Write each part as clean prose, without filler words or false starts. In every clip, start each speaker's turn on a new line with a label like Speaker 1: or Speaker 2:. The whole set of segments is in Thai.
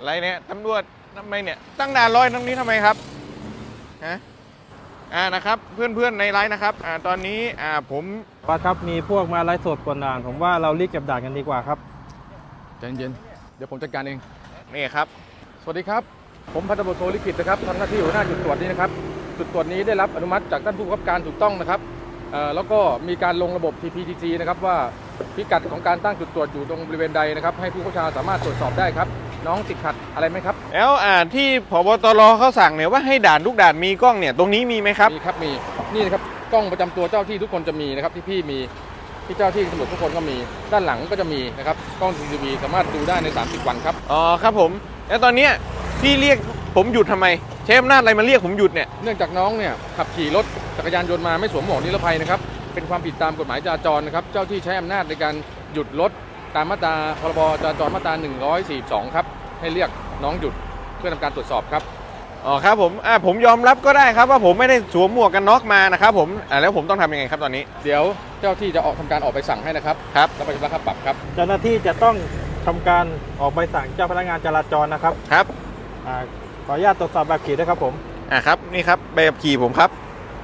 Speaker 1: อะไรเนี่ยตำรวจทำไมเนี่ยตั้งด่านลอยตรงนี้ทำไมครับฮะนะครับเพื่อนๆในไลน์นะครับตอนนี้ผม
Speaker 2: ครับมีพวกมาไลฟ์สดกวนด่านผมว่าเรารีบเก็บด่านกันดีกว่าครับ
Speaker 3: ใจเย็นเดี๋ยวผมจัดการเอง
Speaker 1: นี่ครับ
Speaker 3: สวัสดีครับผมพันตำรวจโทลิขิตนะครับทำหน้าที่หัวหน้าจุดตรวจนี้นะครับจุดตรวจนี้ได้รับอนุมัติจากท่านผู้กำกับการถูกต้องนะครับแล้วก็มีการลงระบบ TPTG นะครับว่าพิกัดของการตั้งจุดตรวจอยู่ตรงบริเวณใดนะครับให้ผู้เข้าชาสามารถตรวจสอบได้ครับน้องติดขัดอะไรไหมครับ
Speaker 1: แล้วที่ผบตรเขาสั่งเนี่ยว่าให้ด่านทุกด่านมีกล้องเนี่ยตรงนี้มีไหมครับ
Speaker 3: มีครับมีนี่นะครับกล้องประจำตัวเจ้าที่ทุกคนจะมีนะครับที่พี่มีที่เจ้าที่ตำรวจทุกคนก็มีด้านหลังก็จะมีนะครับกล้อง CCTV สามารถดูได้ใน30 วันครับ
Speaker 1: อ๋อครับผมแล้วตอนเนี้ยพี่เรียกผมหยุดทำไมใช้อำนาจอะไรมาเรียกผมหยุดเนี่ย
Speaker 3: เนื่องจากน้องเนี่ยขับขี่รถจักรยานยนต์มาไม่สวมหมวกนิรภัยนะครับเป็นความผิดตามกฎหมายจราจรนะครับเจ้าที่ใช้อำนาจในการหยุดรถตามมาตราพรบจราจรมาตรา142ครับให้เรียกน้องหยุดเพื่อทำการตรวจสอบครับ
Speaker 1: อ๋อครับผมยอมรับก็ได้ครับว่าผมไม่ได้สวมหมวกกันน็อกมานะครับผมแล้วผมต้องทำยังไงครับตอนนี้
Speaker 3: เดี๋ยวเจ้าที่จะทำการออกใบสั่งให้นะครับ
Speaker 1: ครับ
Speaker 3: แล้วไปชำระค่าปรับครับ
Speaker 2: เจ้าหน้าที่จะต้องทำการออกใบสั่งเจ้าพนักงานจราจรนะครับ
Speaker 1: ครับ
Speaker 2: ขออนุญาตตรวจสอบแบบขี่ด้วยครับผม
Speaker 1: ครับนี่ครับใบขับขี่ผมครับ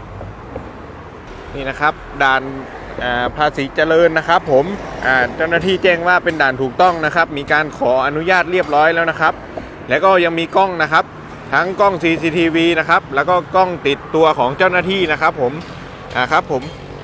Speaker 1: นี่นะครับด่านภาษีเจริญนะครับผมเจ้าหน้าที่แจ้งว่าเป็นด่านถูกต้องนะครับมีการขออนุญาตเรียบร้อยแล้วนะครับแล้วก็ยังมีกล้องนะครับทั้งกล้อง CCTV นะครับแล้วก็กล้องติดตัวของเจ้าหน้าที่นะครับผมครับผม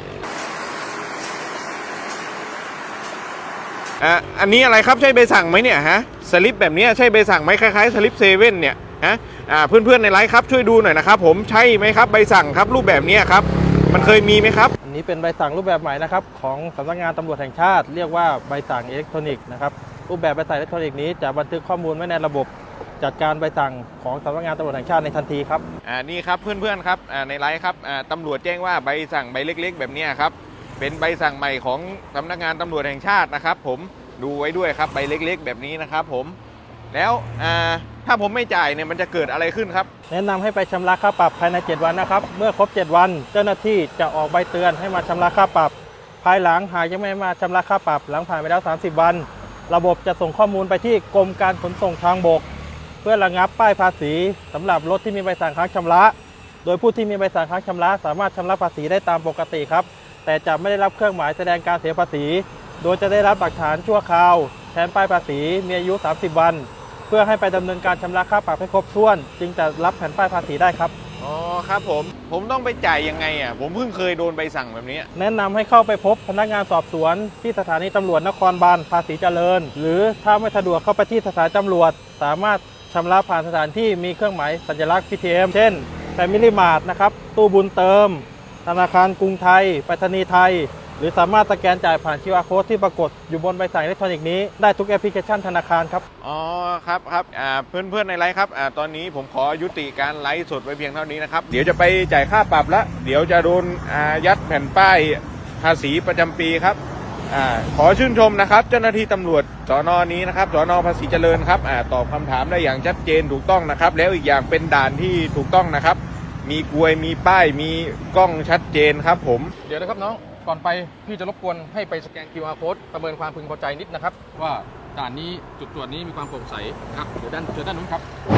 Speaker 1: อันนี้อะไรครับใช่ใบสั่งไหมเนี่ยฮะสลิปแบบนี้ใช่ใบสั่งไหมคล้ายๆสลิปเซเว่นเนี่ยฮะเพื่อนๆในไลฟ์ครับช่วยดูหน่อยนะครับผมใช่ไหมครับใบสั่งครับรูปแบบนี้ครับมันเคยมีไหมครับ
Speaker 2: อันนี้เป็นใบสั่งรูปแบบใหม่นะครับของสำนักงานตำรวจแห่งชาติเรียกว่าใบสั่งอิเล็กทรอนิกส์นะครับรูปแบบใบสั่งอิเล็กทรอนิกส์นี้จะบันทึกข้อมูลไว้ในระบบจัดการใบสั่งของสำนักงานตำรวจแห่งชาติในทันทีครับ
Speaker 1: นี่ครับเพื่อนๆครับในไลฟ์ครับตำรวจแจ้งว่าใบสั่งใบเล็กๆแบบนี้ครับเป็นใบสั่งใหม่ของสำนักงานตำรวจแห่งชาตินะครับผมดูไว้ด้วยครับใบเล็กๆแบบนี้นะครับผมแล้วถ้าผมไม่จ่ายเนี่ยมันจะเกิดอะไรขึ้นครับ
Speaker 2: แนะนำให้ไปชำระค่าปรับภายใน7 วันนะครับเมื่อครบ7 วันเจ้าหน้าที่จะออกใบเตือนให้มาชำระค่าปรับภายหลังหากยังไม่มาชำระค่าปรับหลังผ่านไปแล้ว30 วันระบบจะส่งข้อมูลไปที่กรมการขนส่งทางบกเพื่อระงับป้ายภาษีสำหรับรถที่มีใบสั่งค้างชำระโดยผู้ที่มีใบสั่งค้างชำระสามารถชำระภาษีได้ตามปกติครับแต่จะไม่ได้รับเครื่องหมายแสดงการเสียภาษีโดยจะได้รับหลักฐานชั่วคราวแทนป้ายภาษีมีอายุ30 วันเพื่อให้ไปดำเนินการชำระค่าปรับให้ครบถ้วนจึงจะรับแผ่นป้ายภาษีได้ครับ
Speaker 1: อ๋อครับผมต้องไปจ่ายยังไงผมเพิ่งเคยโดนใบสั่งแบบนี้
Speaker 2: แนะนำให้เข้าไปพบพนักงานสอบสวนที่สถานีตำรวจนครบาลภาษีเจริญหรือถ้าไม่สะดวกเข้าไปที่สถานีตำรวจสามารถชำระผ่านสถานที่มีเครื่องหมายสัญลักษณ์ PTM เช่น Family Mart นะครับตู้บุญเติมธนาคารกรุงไทยไปรษณีย์ไทยหรือสามารถสแกนจ่ายผ่าน QR Code ที่ปรากฏอยู่บนใบสั่งอิเล็กทรอนิกส์นี้ได้ทุกแอปพลิเคชันธนาคารครับ
Speaker 1: อ๋อครับเพื่อนในไลฟ์ครับตอนนี้ผมขอยุติการไลฟ์สดไว้เพียงเท่านี้นะครับเดี๋ยวจะไปจ่ายค่าปรับแล้วเดี๋ยวจะโดนยัดแผ่นป้ายภาษีประจำปีครับขอชื่นชมนะครับเจ้าหน้าที่ตำรวจสน.นี้นะครับสน.ภาษีเจริญครับตอบคำถามได้อย่างชัดเจนถูกต้องนะครับแล้วอีกอย่างเป็นด่านที่ถูกต้องนะครับมีกลวยมีป้ายมีกล้องชัดเจนครับผม
Speaker 3: เดี๋ยวนะครับน้องก่อนไปพี่จะรบกวนให้ไปสแกน QR Code ประเมินความพึงพอใจนิดนะครับว่าด่านนี้จุดตรวจนี้มีความโปร่งใสครับเดี๋ยวด้านนู้นครับ